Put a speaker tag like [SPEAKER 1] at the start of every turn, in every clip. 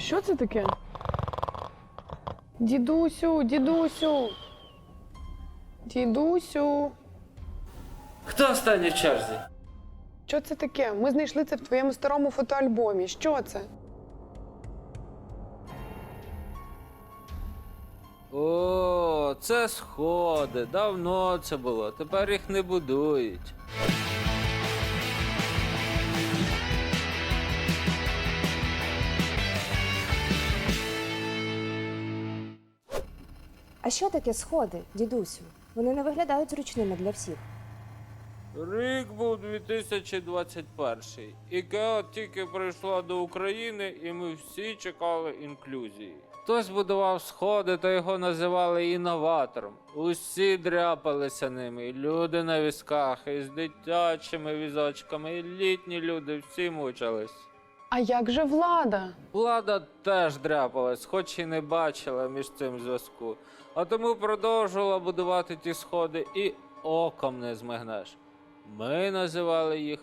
[SPEAKER 1] Що це таке? Дідусю, дідусю! Дідусю!
[SPEAKER 2] Хто останній в черзі?
[SPEAKER 1] Що це таке? Ми знайшли це в твоєму старому фотоальбомі. Що це?
[SPEAKER 2] О, це сходи. Давно це було. Тепер їх не будують.
[SPEAKER 3] А що таке сходи, дідусю? Вони не виглядають зручними для всіх.
[SPEAKER 2] Рік був 2021. ІКЕА тільки прийшла до України, і ми всі чекали інклюзії. Хтось будував сходи, та його називали інноватором. Усі дряпалися ними, і люди на візках, і з дитячими візочками, і літні люди, всі мучились.
[SPEAKER 1] А як же влада?
[SPEAKER 2] Влада теж дряпалась, хоч і не бачила між цим зв'язку. А тому продовжувала будувати ті сходи і оком не змигнеш. Ми називали їх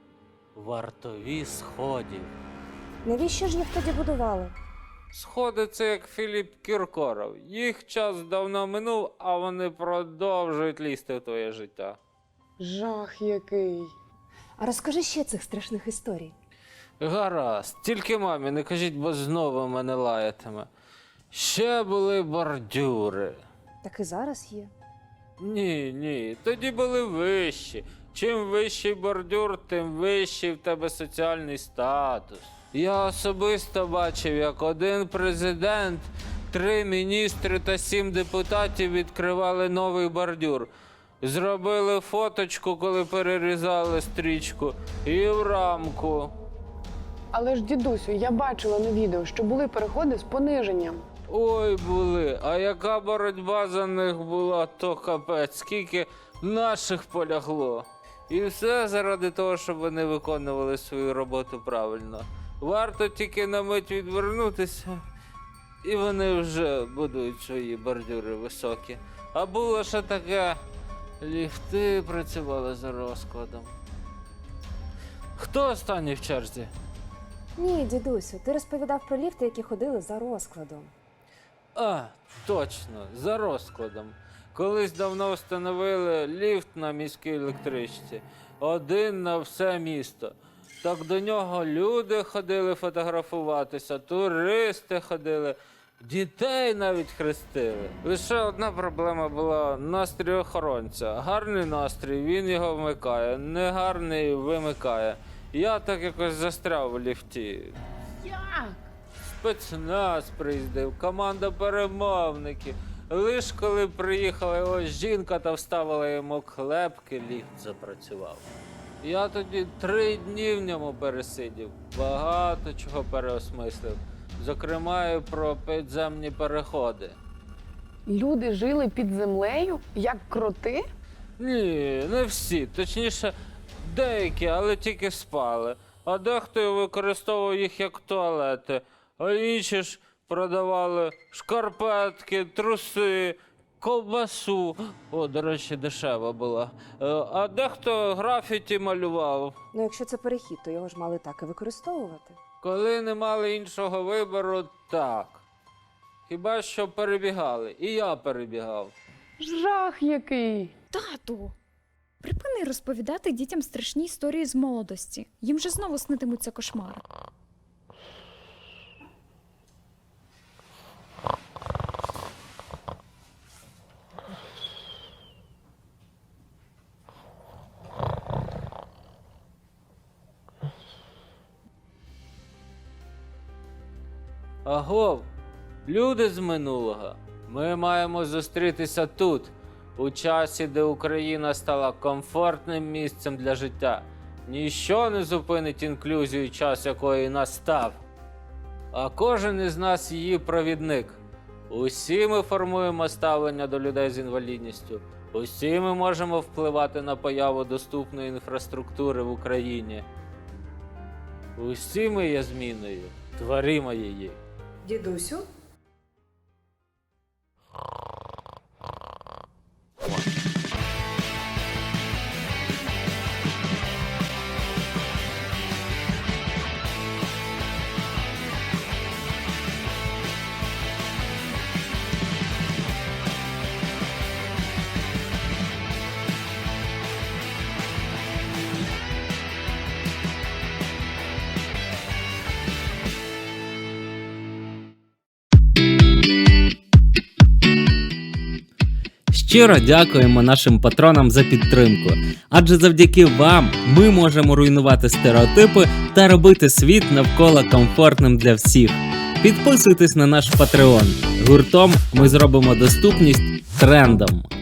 [SPEAKER 2] вартові сходів.
[SPEAKER 3] Навіщо ж їх тоді будували?
[SPEAKER 2] Сходи – це як Філіп Кіркоров. Їх час давно минув, а вони продовжують лізти в твоє життя.
[SPEAKER 1] Жах який.
[SPEAKER 3] А розкажи ще цих страшних історій.
[SPEAKER 2] Гаразд, тільки мамі не кажіть, бо знову мене лаятиме. Ще були бордюри.
[SPEAKER 3] Так і зараз є.
[SPEAKER 2] Ні, тоді були вищі. Чим вищий бордюр, тим вищий в тебе соціальний статус. Я особисто бачив, як один президент, 3 міністри та 7 депутатів відкривали новий бордюр. Зробили фоточку, коли перерізали стрічку, і в рамку.
[SPEAKER 1] Але ж, дідусю, я бачила на відео, що були переходи з пониженням.
[SPEAKER 2] Ой, були, а яка боротьба за них була, то капець, скільки наших полягло. І все заради того, щоб вони виконували свою роботу правильно. Варто тільки на мить відвернутися, і вони вже будують свої бордюри високі. А було ще таке, ліфти працювали за розкладом. Хто останній в черзі?
[SPEAKER 3] Ні, дідусю, ти розповідав про ліфти, які ходили за розкладом.
[SPEAKER 2] А, точно, за розкладом. Колись давно встановили ліфт на міській електричці. Один на все місто. Так до нього люди ходили фотографуватися, туристи ходили, дітей навіть хрестили. Лише одна проблема була – настрій охоронця. Гарний настрій, він його вмикає, негарний вимикає. Я так якось застряв в ліфті.
[SPEAKER 1] Як?
[SPEAKER 2] Спецназ приїздив, команда перемовників. Лиш коли приїхала його жінка та вставила йому клепки, ліфт запрацював. Я тоді 3 дні в ньому пересидів, багато чого переосмислив. Зокрема, і про підземні переходи.
[SPEAKER 1] Люди жили під землею, як кроти?
[SPEAKER 2] Ні, не всі. Точніше, деякі, але тільки спали. А дехто використовував їх як туалети. А інші ж продавали шкарпетки, труси, ковбасу. О, до речі, дешева була. А дехто графіті малював.
[SPEAKER 3] Ну, якщо це перехід, то його ж мали так і використовувати.
[SPEAKER 2] Коли не мали іншого вибору, так. Хіба що перебігали. І я перебігав.
[SPEAKER 1] Жах який.
[SPEAKER 4] Тату, припини розповідати дітям страшні історії з молодості. Їм же знову снитимуться кошмари.
[SPEAKER 2] Агов, люди з минулого, ми маємо зустрітися тут, у часі, де Україна стала комфортним місцем для життя. Ніщо не зупинить інклюзію, час якої настав. А кожен із нас її провідник. Усі ми формуємо ставлення до людей з інвалідністю. Усі ми можемо впливати на появу доступної інфраструктури в Україні. Усі ми є зміною, творимо її.
[SPEAKER 3] Дідусю?
[SPEAKER 5] Щиро дякуємо нашим патронам за підтримку, адже завдяки вам ми можемо руйнувати стереотипи та робити світ навколо комфортним для всіх. Підписуйтесь на наш Patreon. Гуртом ми зробимо доступність трендом.